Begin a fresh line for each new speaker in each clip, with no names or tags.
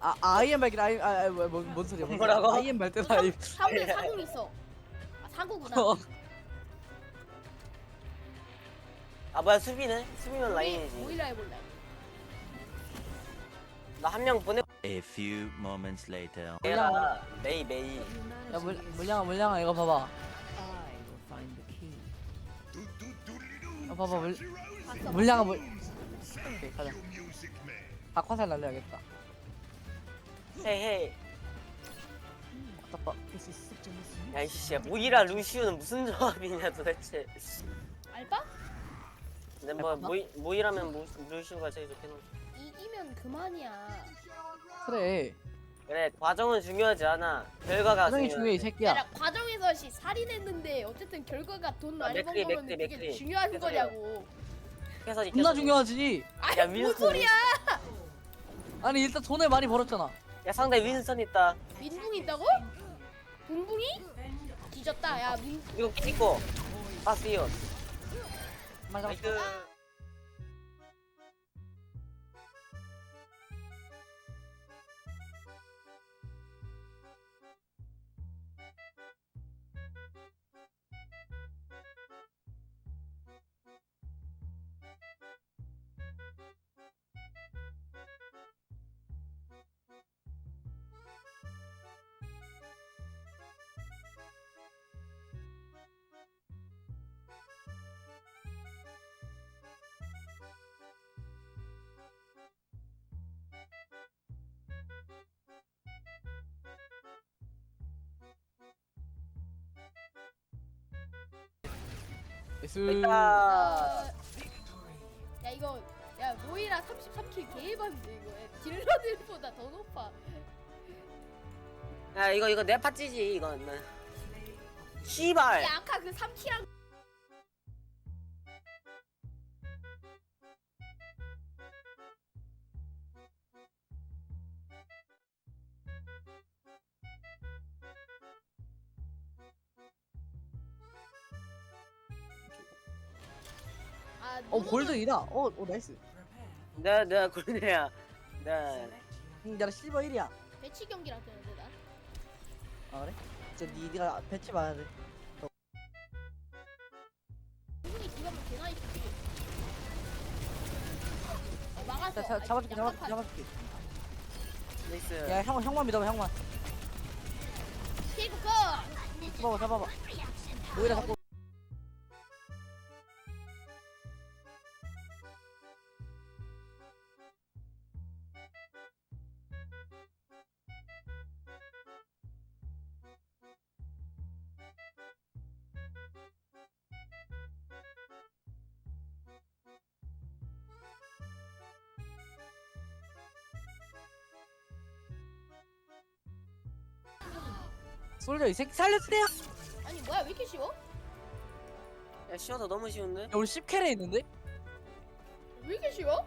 아이엠 발길 뭔 소리야?
뭐라고?
아이엠 발대다. 이.
사국에 사국 있어. 아 사구구나.
아 뭐야 수비네? 수비는 라인이지.
모이라 해볼래.
나 한 명 보내.
A few moments later.
얘라 메이.
야 물량아 이거 봐봐. 봐봐
봤어.
물량아 오케이 가자. 박화살 날려야겠다.
헤이.
아따빠.
야 이씨 모이라 루시우는 무슨 조합이냐 도대체.
알바?
근데 뭐 모이라면 루시우가 제일 좋겠는.
이기면 그만이야.
그래.
그래 과정은 중요하지 않아. 결과가
과정이 중요해 이
야,
새끼야.
나 과정에서 살인했는데 어쨌든 결과가 돈 많이 번
맥크리,
거면
맥크리,
그게
맥크리.
중요한
그래서
거냐고.
그래서
존나 중요하지.
아니
야,
뭔
윈스턴.
소리야?
아니 일단 돈을 많이 벌었잖아.
야 상대 윈선 있다.
민붕이 있다고? 붕붕이? 뒤졌다. 야
이거 찍고 파스이온.
맞아.
나이스.
예스.
있다.
야 이거 야 모이라 33킬 개해봤는데 이거 딜러들보다 더 높아.
야 이거 내 파찌지 이건. 씨발.
야 아까 그 3킬랑
골드 2다. 나이스.
내가 골드야. 네.
나 실버 1이야.
배치 경기라 뜨는데 나.
아 그래? 진짜 니가 배치 많아야 돼.
붕붕이 뒤가면 개나 있지. 막았어.
잡아줄게.
나이스.
야 형만 믿어봐 형만.
킬고 거.
잡아봐. 모이라 잡고. 솔저 이 새끼 살려주세요.
아니 뭐야 왜 이렇게 쉬워?
야 쉬워서 너무 쉬운데?
야, 우리 10캐레 있는데?
왜 이렇게 쉬워?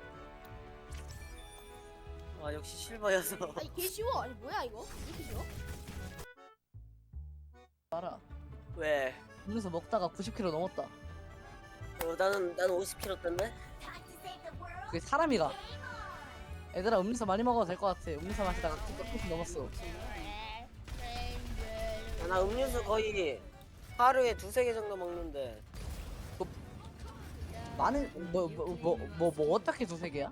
와 역시 실버여서.
아니 개 쉬워. 아니 뭐야 이거? 왜 이렇게 쉬워?
알아.
왜?
음료수 먹다가 90kg 넘었다.
나는 50kg 던데?
그게 사람이가. 얘들아 음료수 많이 먹어도 될 것 같아. 음료수 마시다가 90kg 넘었어.
나 음료수 거의 하루에 2-3개 정도 먹는데.
많은 뭐 어떻게 두세 개야?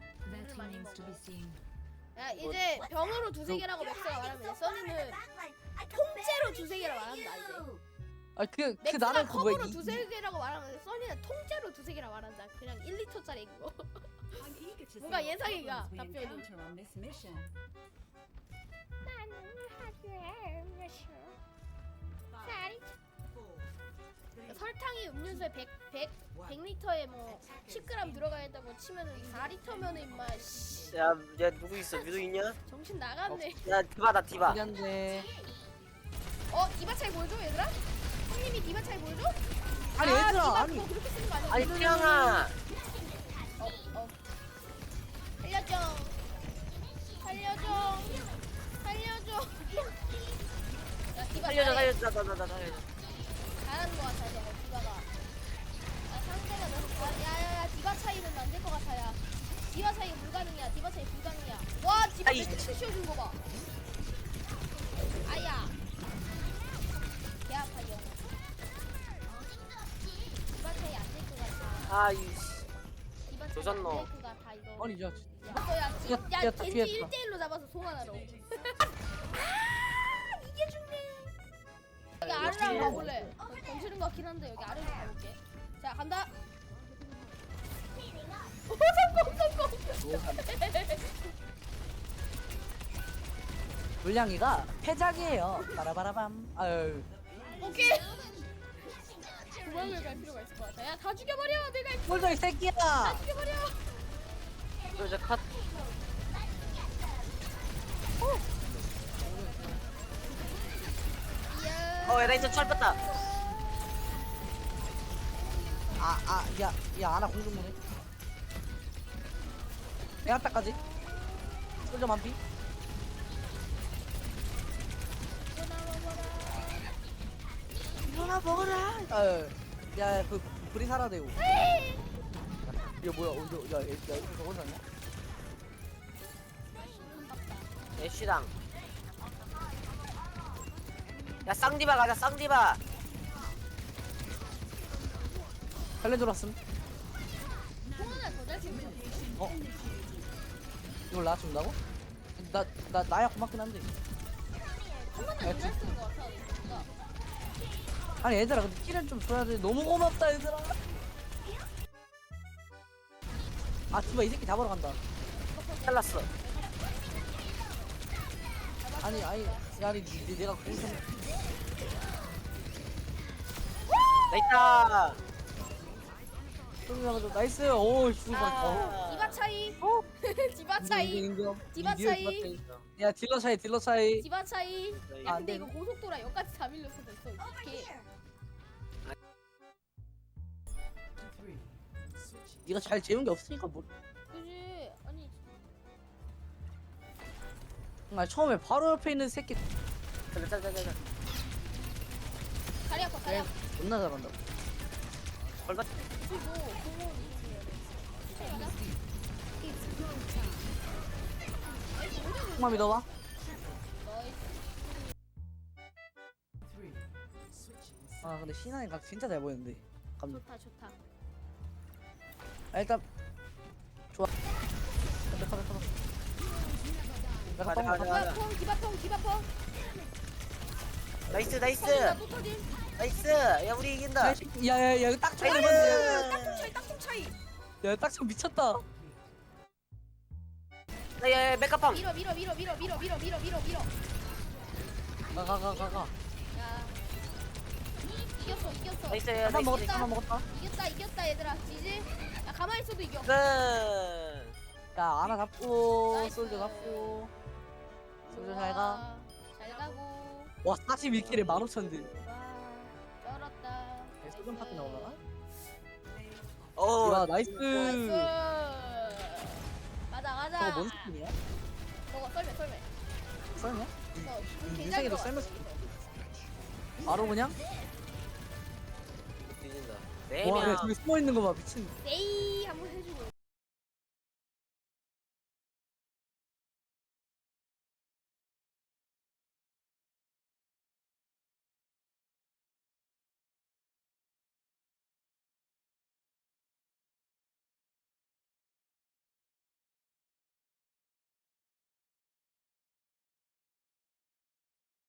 야 이제 병으로 두세 개라고 맥스가 말하면 써니는 통째로 두세 개라고 말한다 이제.
그
맥스가
나는 그 뭐야
컵으로 두세 개라고 말하면 써니는 통째로 두세 개라고 말한다. 그냥 1리터짜리 그거. 뭔가 예상이가 답변이. 설탕이 음료수에 100리터에 뭐 10g 들어가야 된다고 치면은 4리터면은 임마 씨,
야 누구 있어? 유도 있냐?
정신 나갔네.
야 디바다 디바.
미안데.
디바 차이 보여줘 얘들아? 형님이 디바 차이 보여줘?
아니 얘들아
디바
아니.
그거 그렇게 쓰는 거 아니야?
아니 태양아.
살려줘. 야 디바 잘해.
살려줘 나 살려줘.
잘하는 거 같아 저거 디바가. 상대가 너무 야야야 디바 차이는 안 될 것 같아 야. 디바 차이 불가능이야. 디바 차이 불가능이야. 와 디바
아이.
매트릭스 씌워준 거 봐. 아야. 개 아파요. 디바 차이 안 될 것 같아.
아이씨.
디바 차이
조졌노.
안될 것 같아 이거.
아니 야
야 지금 야
피했다,
겐지
피했다.
1대1로 잡아서 송환하러. 아 이게 죽네. 여기 아래랑 가볼래. 던지는 것 같긴 한데 여기 아래로 가볼게. 자 간다. 오 성공.
물량이가 패작이에요. 바라바라밤. 아유.
오케이. 도망을 갈 필요가 있을 것 같아. 야 다 죽여버려. 내가
꼴도 이 새끼야.
다 죽여버려.
이제 컷.
이야.
레이저 철뺐다.
야 아나 공중무네. 내한타까지. 솔저 만피. 일어나 먹어라. 아유. 야그 불이 살아대고. 이거 뭐야? 야 이거 저거 사냐?
애쉬당. 야 쌍디바 가자 쌍디바.
살려줘 왔음.
송환아 더잘 치면
어? 이걸 나 준다고? 나야 고맙긴 한데.
한 번에 더잘 쓰는 것 같아. 뭔가.
아니 얘들아 근데 킬은 좀 줘야 돼. 너무 고맙다 얘들아. 아 디바 이 새끼 잡으러 간다.
잘랐어.
아니 내가 공중.
나이스.
쏠려가지고 나이스. 오 죽을 뻔했다.
디바 차이. 디바
인정,
차이.
인정.
디바
인정,
차이.
야 딜러 차이.
디바 차이. 야
안
근데
돼.
이거 고속도라 여기까지 다 밀렸어 벌써. 이렇게.
네가 잘 재운 게 없으니까 뭐.
그지? 아니
아 처음에 바로 옆에 있는 새끼
잘잘.
다리 아파 다리 아파.
존나 잘한다.
얼마?
그리고 공원 이렇게.
정말 믿어봐. 아 근데 신하이 각 진짜 잘 보였는데. 감독.
좋다.
아 일단 좋아. 가자. 내가
가자.
디바펑 디바펑.
나이스.
터진다 또 터진.
나이스. 야 우리 이긴다.
야야야 이거 딱 쳐야
나이스.
돼.
땅콩 차이.
야딱 쳐 미쳤다.
야 메카팜.
밀어.
가.
야. 이겼어.
나이스.
한번 먹었다.
나이스.
한번 먹었다.
이겼다 얘들아. 지지? 야 가만히 있어도 이겨.
끝.
야 아나 잡고
나이스.
솔저 잡고. 솔저 잘 가.
잘 가고.
와 42킬에 15,000딜.
와 쩔었다.
소전 파트 나오나?
오.
야 나이스.
나이스. 가자.
저거 뭔 스킨이야?
먹어 썰매.
썰냐?
굉장히
인생에도
좋아.
썰면서 바로 그냥?
뒤진다.
와,
네 명.
야, 저기 숨어 있는 거 봐, 미친.
네이 한번 해주고.